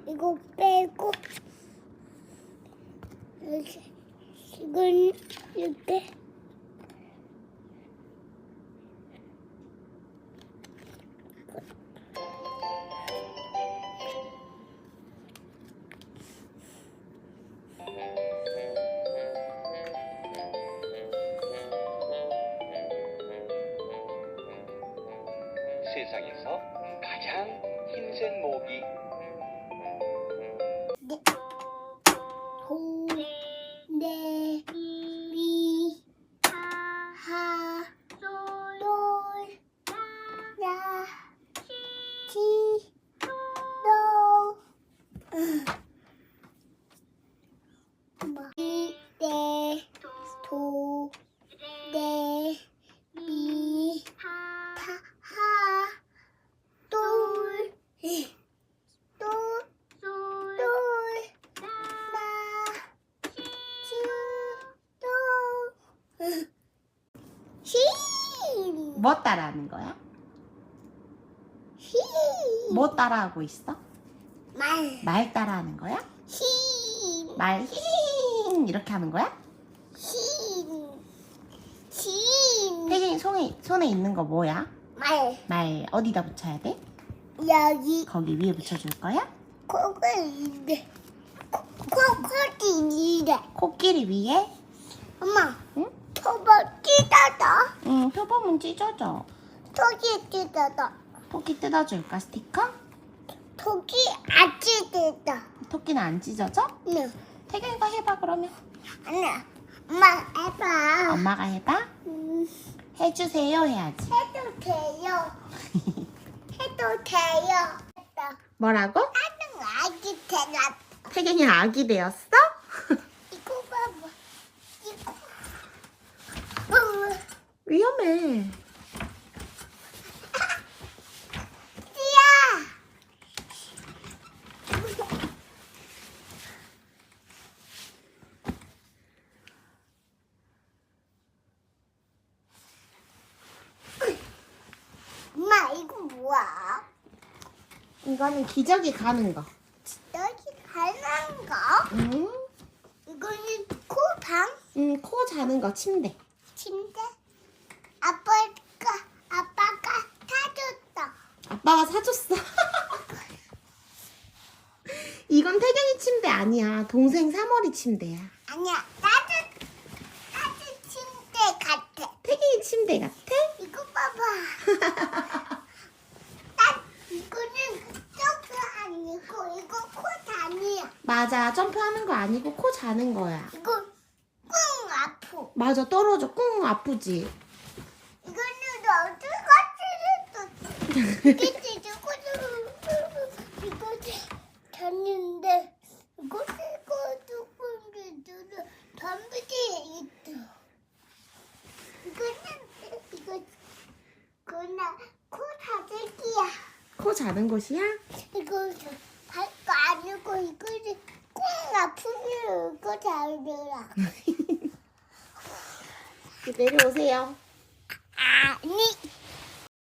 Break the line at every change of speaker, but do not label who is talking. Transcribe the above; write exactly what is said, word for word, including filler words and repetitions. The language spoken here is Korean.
이거 빼고 이렇게 이건 이렇게
세상에서 가장 힘센 모기.
네. 호, 네, 미, 하, 돌, 라, 티, 도, 마, 이, 네, 도, 네, 미, 타, 하, 돌, 돌, 돌, 나, 치, 돌, 히,
뭐 따라하는 거야?
히,
뭐 따라하고 있어?
말,
말 따라하는 거야?
히,
말 힝 이렇게 하는 거야?
히, 히,
태경이 손에, 손에 있는 거 뭐야?
말,
말 어디다 붙여야 돼?
여기
거기 위에 붙여줄 거야?
코가 있네. 코, 코코지 있네.
코끼리 위에?
엄마,
응?
토박 찢어져.
응, 표범은 찢어져.
토끼 찢어져.
토끼 뜯어줄까, 스티커?
토끼 안 찢어져.
토끼는 안 찢어져?
네.
태경이가 해봐, 그러면.
아니야. 엄마 해봐.
엄마가 해봐?
음,
해주세요, 해야지.
해도 돼요. 해도 돼요. 했다.
뭐라고?
나는 아기 되나.
태경이 아기 되었어?
이거 봐봐. 이거. 음,
위험해.
띠야. 엄마 이거 뭐야?
이거는 기저귀 가는 거.
여기 가는 거?
응?
이거는 코방
응, 코 자는 거, 침대.
침대. 아빠가 아빠가 사줬다.
아빠가 사줬어. 이건 태경이 침대 아니야. 동생 사머리 침대야.
아니야, 나도 나도 침대 같아.
태경이 침대 같아?
이거 봐봐. 나 이거는 점프 아니고 이거 코 다니야.
맞아. 점프하는 거 아니고 코 자는 거야.
이거 꿍 아프.
맞아. 떨어져. 꿍 아프지?
이거는 어디 가지를 이게 찢고 이거 졌는데 이거 찢고 조금 덤비지 있어. 이거는 이거 그나 코 다지기야.
코 자는 곳이야?
이거 발거 아니고 이거는 꽁 아프면 이거 잘들라.
내려오세요.
아니.